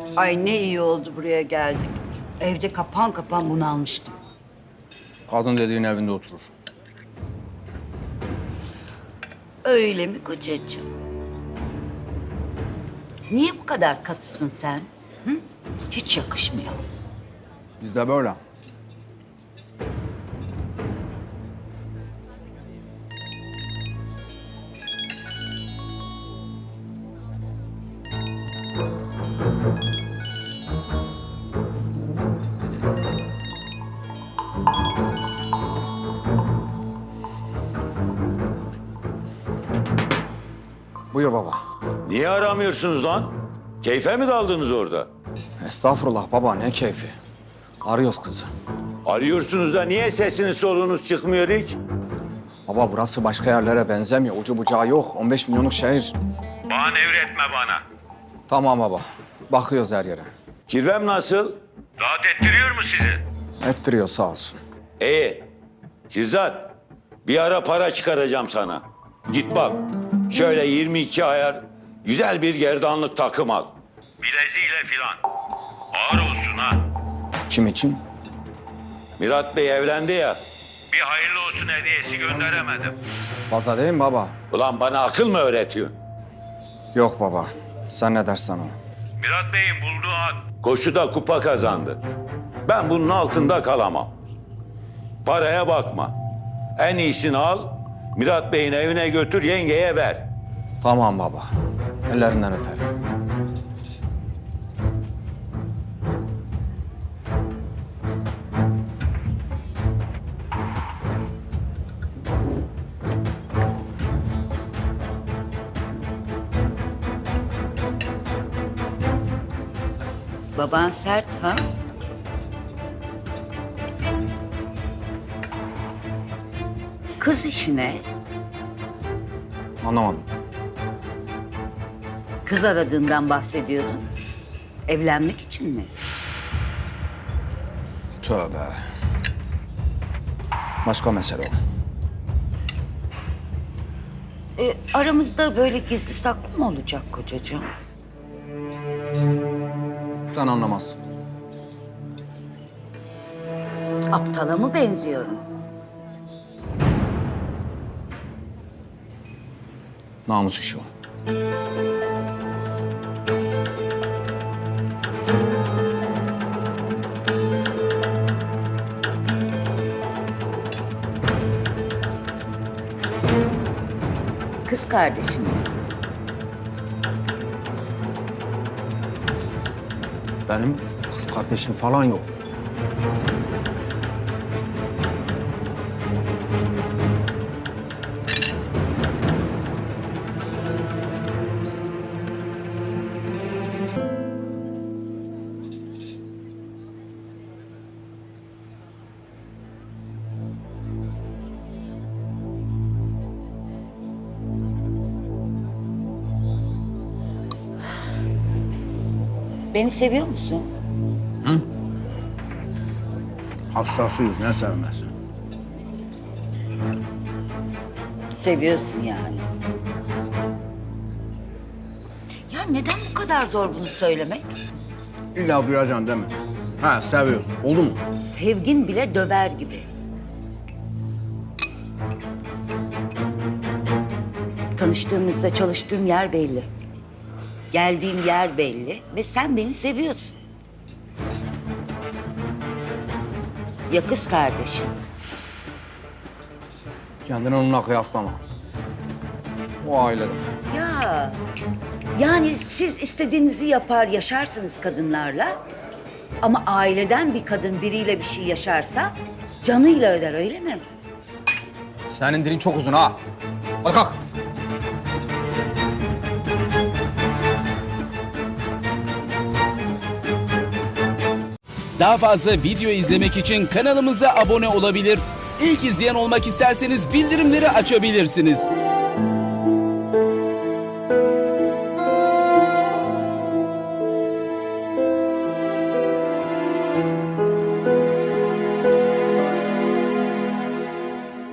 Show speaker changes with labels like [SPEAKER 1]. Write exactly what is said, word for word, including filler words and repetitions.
[SPEAKER 1] Ay ne iyi oldu buraya geldik. Evde kapan kapan bunalmıştım.
[SPEAKER 2] Kadın dediğin evinde oturur.
[SPEAKER 1] Öyle mi kocacığım? Niye bu kadar katısın sen? Hı? Hiç yakışmıyor.
[SPEAKER 2] Bizde böyle. Buyur baba.
[SPEAKER 3] Niye aramıyorsunuz lan? Keyfe mi daldınız orada?
[SPEAKER 2] Estağfurullah baba, ne keyfi. Arıyoruz kızı.
[SPEAKER 3] Arıyorsunuz da niye sesiniz soluğunuz çıkmıyor hiç?
[SPEAKER 2] Baba burası başka yerlere benzemiyor. Ucu bucağı yok. on beş milyonluk şehir.
[SPEAKER 3] Bana nevretme bana.
[SPEAKER 2] Tamam baba. Bakıyoruz her yere.
[SPEAKER 3] Kirvem nasıl? Rahat ettiriyor mu sizi?
[SPEAKER 2] Ettiriyor sağ olsun.
[SPEAKER 3] İyi. Şirzat, bir ara para çıkaracağım sana. Git bak, şöyle yirmi iki ayar güzel bir gerdanlık takım al. Bileziğiyle filan. Ağır olsun ha.
[SPEAKER 2] Kim için?
[SPEAKER 3] Mirat Bey evlendi ya. Bir hayırlı olsun hediyesi gönderemedim.
[SPEAKER 2] Fazla değil mi baba?
[SPEAKER 3] Ulan bana akıl mı öğretiyorsun?
[SPEAKER 2] Yok baba. Sen ne dersen o.
[SPEAKER 3] Mirat Bey'in bulduğu at koşuda kupa kazandı. Ben bunun altında kalamam. Paraya bakma. En iyisini al, Mirat Bey'in evine götür, yengeye ver.
[SPEAKER 2] Tamam baba. Ellerinden öperim.
[SPEAKER 1] Baban sert ha? Kız işine
[SPEAKER 2] Anlamadım.
[SPEAKER 1] kız aradığından bahsediyordun. Evlenmek için mi?
[SPEAKER 2] Tövbe. Başka mesele o.
[SPEAKER 1] E, aramızda böyle gizli saklı mı olacak kocacığım?
[SPEAKER 2] Sen anlamazsın.
[SPEAKER 1] Aptala mı benziyorum?
[SPEAKER 2] Namus işi o.
[SPEAKER 1] Kız kardeşim.
[SPEAKER 2] Benim kız kardeşim falan yok.
[SPEAKER 1] Beni seviyor musun?
[SPEAKER 2] Hassasıyız, ne sevmez.
[SPEAKER 1] Seviyorsun yani. Ya neden bu kadar zor bunu söylemek?
[SPEAKER 2] İlla duyacaksın değil mi? Ha, seviyoruz. Oldu mu?
[SPEAKER 1] Sevgin bile döver gibi. Tanıştığımızda çalıştığım yer belli. Geldiğim yer belli ve sen beni seviyorsun. Ya kız kardeşim?
[SPEAKER 2] Kendini onunla kıyaslama. O ailede.
[SPEAKER 1] Ya yani siz istediğinizi yapar yaşarsınız kadınlarla. Ama aileden bir kadın biriyle bir şey yaşarsa canıyla öder, öyle mi?
[SPEAKER 2] Senin dilin çok uzun ha. Hadi kalk.
[SPEAKER 4] Daha fazla video izlemek için kanalımıza abone olabilir. İlk izleyen olmak isterseniz bildirimleri açabilirsiniz.